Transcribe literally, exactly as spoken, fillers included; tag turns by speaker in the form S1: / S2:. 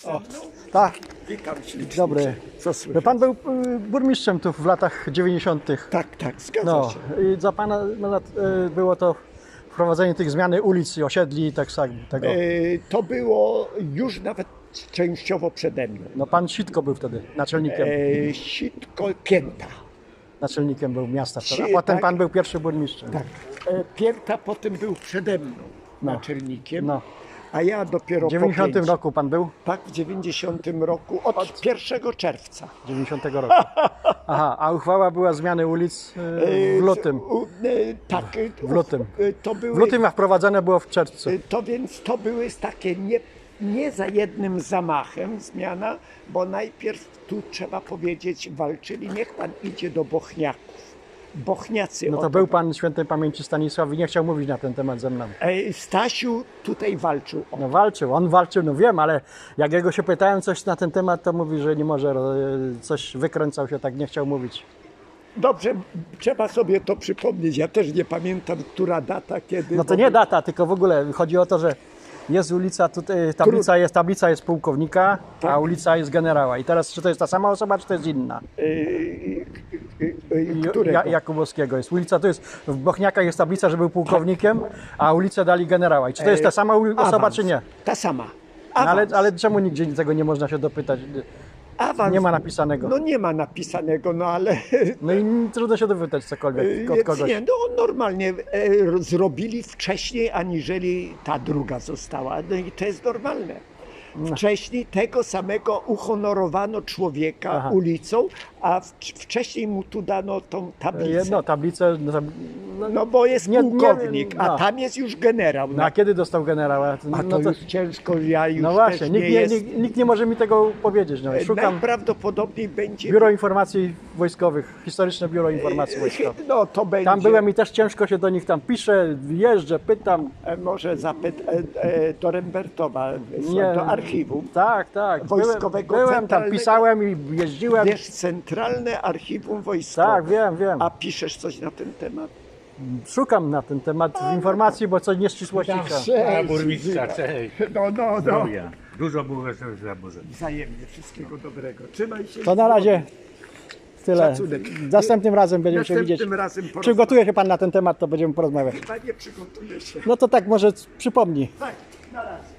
S1: O, tak,
S2: Witam ślicznie.
S1: dobry.
S2: Co słychać?
S1: Pan był y, burmistrzem tu w latach dziewięćdziesiątych.
S2: Tak, tak, zgadza
S1: No
S2: się.
S1: i za pana no, lat, y, było to wprowadzenie tych zmiany ulic i osiedli i tak samo tego.
S2: E, to było już nawet częściowo przede mną.
S1: No pan Sitko był wtedy naczelnikiem.
S2: E, sitko Pięta.
S1: Naczelnikiem był miasta wtedy. A
S2: Si-
S1: potem
S2: tak.
S1: pan był pierwszy burmistrzem.
S2: Tak. E, Pięta potem był przede mną
S1: No.
S2: naczelnikiem,
S1: No.
S2: a ja dopiero
S1: W dziewięćdziesiątym
S2: po pięć.
S1: roku pan był?
S2: Tak, w dziewięćdziesiątym roku, od pierwszego czerwca.
S1: dziewięćdziesiątego roku. Aha, a uchwała była zmiany ulic y,
S2: E,
S1: w lutym.
S2: z- u- e, tak. e,
S1: W lutym.
S2: e, To były,
S1: W lutym, a wprowadzone było w czerwcu.
S2: e, To więc to były takie nie, nie za jednym zamachem zmiana, bo najpierw tu trzeba powiedzieć walczyli, niech pan idzie do Bochniaków. Bochniacy
S1: No
S2: o
S1: to był pan świętej pamięci Stanisław i nie chciał mówić na ten temat ze mną.
S2: E, Stasiu tutaj walczył o
S1: No walczył, on walczył, no wiem, ale jak jego się pytałem coś na ten temat, to mówi, że nie może, e, coś wykręcał się, tak nie chciał mówić.
S2: Dobrze, trzeba sobie to przypomnieć. Ja też nie pamiętam, która data, kiedy.
S1: No to nie data, tylko w ogóle chodzi o to, że jest ulica, tutaj tablica jest, tablica jest pułkownika,
S2: Tak.
S1: a ulica jest generała. I teraz czy to jest ta sama osoba, czy to jest inna?
S2: E, e, e,
S1: Ju-
S2: którego?
S1: Ja, Jakubowskiego jest. Ulica to jest, w Bochniakach jest tablica, że był pułkownikiem, a ulicę dali generała. I czy to jest ta sama uli- osoba,
S2: Awans.
S1: czy nie?
S2: Ta sama.
S1: No ale,
S2: Awans.
S1: ale czemu nigdzie tego nie można się dopytać?
S2: Awans.
S1: Nie ma napisanego.
S2: No nie ma napisanego, no ale
S1: No i trudno się dowytać cokolwiek od
S2: Więc
S1: kogoś.
S2: nie, no normalnie e, zrobili wcześniej, aniżeli ta druga została. No i to jest normalne. Wcześniej tego samego uhonorowano człowieka
S1: Aha.
S2: ulicą, a w, wcześniej mu tu dano tą tablicę.
S1: Jedno, tablicę. No, tab- no,
S2: No bo jest
S1: Nie- nie-
S2: pułkownik,
S1: no.
S2: a tam jest już generał.
S1: no a kiedy dostał generała?
S2: A to
S1: No, to,
S2: już ciężko, ja już
S1: no właśnie,
S2: też
S1: nikt
S2: nie
S1: nie,
S2: jest.
S1: nikt, nikt nie może mi tego powiedzieć. No. Szukam
S2: Najprawdopodobniej będzie...
S1: Biuro Informacji Wojskowych, Historyczne Biuro Informacji Wojskowych.
S2: No to będzie...
S1: Tam byłem i też ciężko się do nich tam piszę, jeżdżę, pytam.
S2: E, Może zapyt e, e, do Rembertowa,
S1: Nie.
S2: do archiwum.
S1: Tak, tak.
S2: Wojskowego,
S1: byłem, byłem tam,
S2: centralnego.
S1: pisałem i jeździłem.
S2: Wiesz, Centralne Archiwum Wojskowe.
S1: Tak, wiem, wiem.
S2: A piszesz coś na ten temat?
S1: Szukam na ten temat informacji, bo coś nieścisłości.
S3: A burmistrza, cześć.
S2: No, no, no.
S3: Zdrowia. Dużo było wesołych zabórzeń.
S2: Wzajemnie, wszystkiego dobrego. Trzymaj się.
S1: To na razie tyle.
S2: Szacunek.
S1: Następnym razem będziemy się
S2: Następnym
S1: widzieć.
S2: razem porozmawiamy.
S1: Przygotuje się pan na ten temat, to będziemy porozmawiać.
S2: Chyba nie przygotuję się.
S1: No to tak może przypomni.
S2: Tak, na razie.